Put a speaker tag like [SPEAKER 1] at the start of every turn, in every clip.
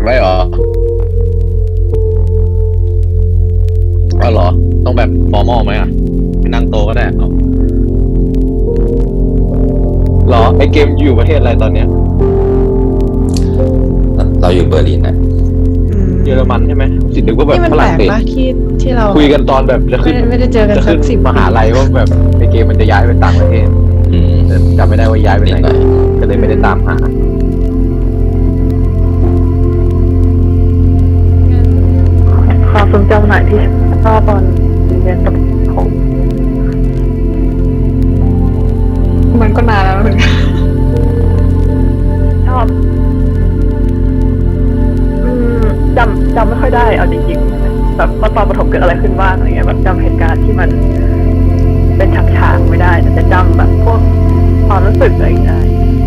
[SPEAKER 1] ได้เหรออ๋อเหรอต้องแบบฟอร์มอลไหมอ่ะไปนั่งโตะก็ได้เอาเหรอไอเกมอยู่ประเทศอะไรตอนเนี้ย
[SPEAKER 2] เราอยู่เบอร์ลินนะ
[SPEAKER 1] เยอรมันใช่ไหมสินึกว่าแบบ
[SPEAKER 3] นี่มัน
[SPEAKER 1] ฝ
[SPEAKER 3] แปล
[SPEAKER 1] รั่ง
[SPEAKER 3] ก
[SPEAKER 1] เศส
[SPEAKER 3] ปะที่เรา
[SPEAKER 1] คุยกันตอนแบบจะขึ้น
[SPEAKER 3] ไม่ได้เจอกัน
[SPEAKER 1] จะ
[SPEAKER 3] สั
[SPEAKER 1] ขึ้น
[SPEAKER 3] ก10
[SPEAKER 1] มหาลัยว่าแบบไอเกมมันจะย้ายไปต่างประเทศแต่จำไม่ได้ว่าย้ายไป
[SPEAKER 2] นิด
[SPEAKER 1] ไหน
[SPEAKER 2] หน่อย
[SPEAKER 1] ก็เลยไม่ได้ตามหา
[SPEAKER 4] ความทรงจำไหนที่ชอบตอนเรียนประถม
[SPEAKER 5] มันก็นานแล้วเหมือนกัน
[SPEAKER 4] ชอบจำไม่ค่อยได้เอาจริงๆแบบว่าตอนประถมเกิดอะไรขึ้นบ้างอะไรเงี้ยแบบจำเหตุการณ์ที่มันเป็นฉากๆไม่ได้แต่จะจำแบบพวกความรู้สึกอะไรอย่างเงี้ยได้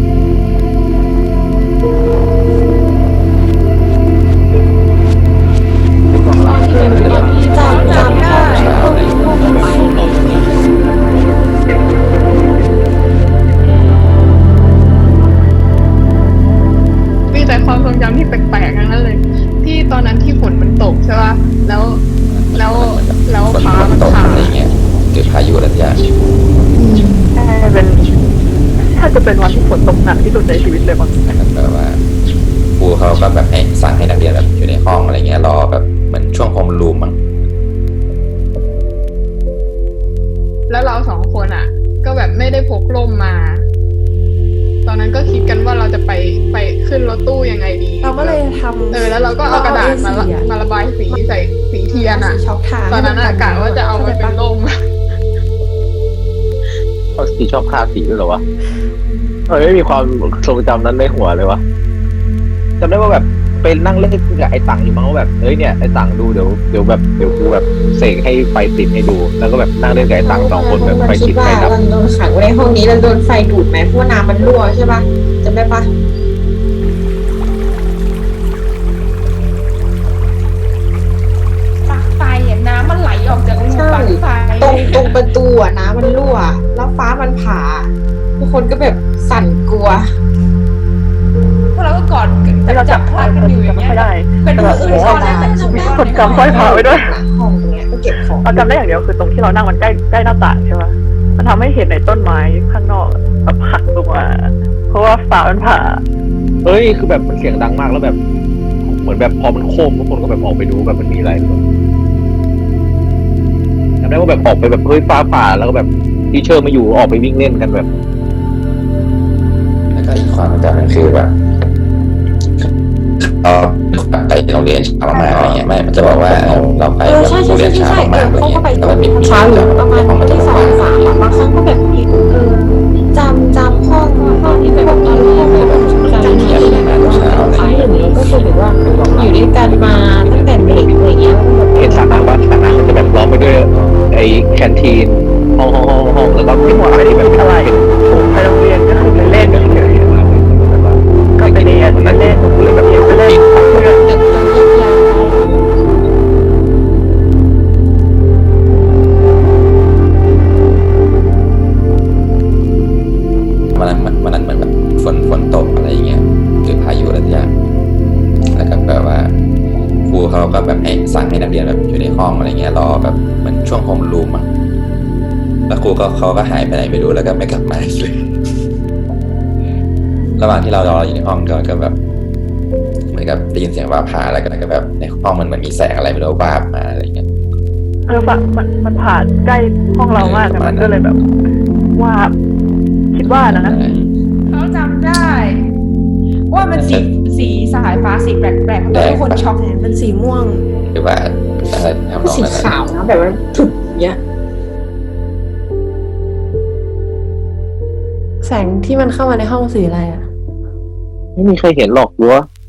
[SPEAKER 3] จำได้
[SPEAKER 5] มีแต่ความทรงจำที่แปลกๆทั้งนั้นเลย ที่ตอนนั้นที่ฝนมันตกใช่ป่ะแล้ว
[SPEAKER 2] ฝน
[SPEAKER 5] ฟ้ามัน
[SPEAKER 2] ตก
[SPEAKER 5] ผ่า
[SPEAKER 2] อะไรเงี้ยเกิดพายุอะไรอย่าง
[SPEAKER 4] ใช่เป็นถ้าจะเป็นวันที่ฝนตกหนักที่สุดในชีวิตเลยมั้ง
[SPEAKER 2] นะครับแบบว่าครูเขาก็แบบให้สั่งให้นักเรียนแบบอยู่ในห้องอะไรเงี้ยรอแบบเหมือนช่วงโฮมรูมมั้ง
[SPEAKER 5] แล้วเราสองคนอ่ะ ก็แบบไม่ได้พกร่มมา ตอนนั้นก็คิดกันว่าเราจะไปขึ้นรถตู้ยังไงดี
[SPEAKER 3] เราก็เลยทำ
[SPEAKER 5] แล้วเราก็เอากระดาษมาระบายสีใส่สีเทียนอ่ะ
[SPEAKER 3] ช็อกทา
[SPEAKER 5] ตอนนั้นอากาศว่าจะเอาไปเป็นร่ม
[SPEAKER 1] เขาสีชอบคาสีด้วยเหรอวะไม่มีความทรงจำนั้นในหัวเลยวะจำได้ว่าแบบเป็นนั่งเล่นกับไอ้ตังอยู่มั้งว่าแบบเนี่ยไอ้ตังดูเดี๋ยวกูแบบเสกให้ไฟติดให้ดู แล้วก็แบบนั่งเล่นกับไอ้ตัง2 คนแบบไฟติดไฟดับ
[SPEAKER 6] เราโดนขังไว้ในห้องนี้เราโดนไฟดูดไหมเพราะว่าน้ำมันรั่วใช่ปะจำได้ปะ
[SPEAKER 7] ปลั๊กไฟอ่ะน้ำมันไหลออกจากรูปลั๊กไฟ
[SPEAKER 6] ตรงประตูอะน้ำมันรั่ว แล้วฟ้ามันผ่า ทุกคนก็แบบสั่นกลัว
[SPEAKER 7] พวกเราก็กอด
[SPEAKER 4] แล้วเรา
[SPEAKER 7] จับพลาดกันอยู่อย่าง
[SPEAKER 4] ไม่
[SPEAKER 7] เงี้ย
[SPEAKER 4] ค่อยได้
[SPEAKER 7] เป็นมืออื่นซ่อนแล้วแต่จำได้
[SPEAKER 4] คนจำสร้อยผ่าไว้ด้วย
[SPEAKER 6] หลังห้องตรงเนี้ยก็เก็บของ
[SPEAKER 4] เราจำได้อย่างเดียวคือตรงที่เรานั่งมันใกล้หน้าต่างใช่ปะมันทำให้เห็นในต้นไม้ข้างนอกแบบหักลงมาเพราะว่าฟ้ามันผ่า
[SPEAKER 1] คือแบบมันเสียงดังมากแล้วแบบเหมือนแบบพอมันโค้งทุกคนก็แบบออกไปดูแบบมันมีอะไรหรือเปล่าจำได้ว่าแบบออกไปแบบฟ้าผ่าแล้วก็แบบทีเชอร์มาอยู่ออกไปวิ่งเล่นกันแบบ
[SPEAKER 2] แล้วก็อีกความจำมันคือแบบไปโรงเรียนเช้ามากอะไรเงี้ยไม่มันจะบอกว่าเราไปแบบโรงเรียนเช้ามากอะไรเงี้ยแล้วมันมี
[SPEAKER 6] เช้าอยู่ประมาณ
[SPEAKER 2] ห้อง
[SPEAKER 6] ที่
[SPEAKER 2] ประ
[SPEAKER 6] 2
[SPEAKER 2] ตู
[SPEAKER 6] 3บางครั้งก็แบบผิดจำห้องที่แบบเราห้องแบบจำที่แบบครั้งหนึ่งแล้วก็คือแบบว่าอยู่ด้วยกันมาตั้งแต่เด็กอะไรเงี้ยแล้วก็แบบ
[SPEAKER 1] เห็นสระน้ำบ้านสระน้ำมันจะแบบล้อมไปด้วยไอ้แคนทีนห้องแล้วก็ที่หัวอะไรที่แบบเป็นอะไร
[SPEAKER 4] ผมไปโรงเรียนก็คือไปเล่นเฉยๆก็ไปเรียนไปเล่นเลยแบบไปเล่นเพื่อน
[SPEAKER 6] ดึกจนยิบยาว
[SPEAKER 2] วันนั้นเหมือนแบบฝนตกอะไรอย่างเงี้ยเกิดพายุอะไรอย่างแล้วก็แบบว่าครูเขาก็แบบให้สั่งให้นักเรียนแบบอยู่ในห้องอะไรเงี้ยรอแบบเหมือนช่วงโฮมรูมมั้งแล้วครูเขาก็หายไปไหนไม่รู้แล้วก็ไม่กลับมาอีกเลยระหว่างที่เรารออยู่ในห้องก็แบบเหมือนกับได้ยินเสียงฟ้าผ่าแล้วก็แบบในห้องมันเหมือนมีแสงอะไรไม่รู้วาบมาอะไรเงี้ย
[SPEAKER 4] มันผ่านใกล้ห้องเรามากแต่มันก็เลยแบบว่าคิดว่านะ
[SPEAKER 7] เขาจำได้ ว่ามันสีสายฟ้าสีแปลกๆเพราะทุกคนช็อก
[SPEAKER 3] มันสีม่วง
[SPEAKER 2] หรือว่าอะไรทำนอง
[SPEAKER 6] สี
[SPEAKER 2] นั้น
[SPEAKER 6] ขาวนะแบบว่าถึกเงี้ย
[SPEAKER 3] แสงที่มันเข้ามาในห้องสีอะไรอ่ะ
[SPEAKER 1] ไม่มีใครเห็นหรอกรั้ว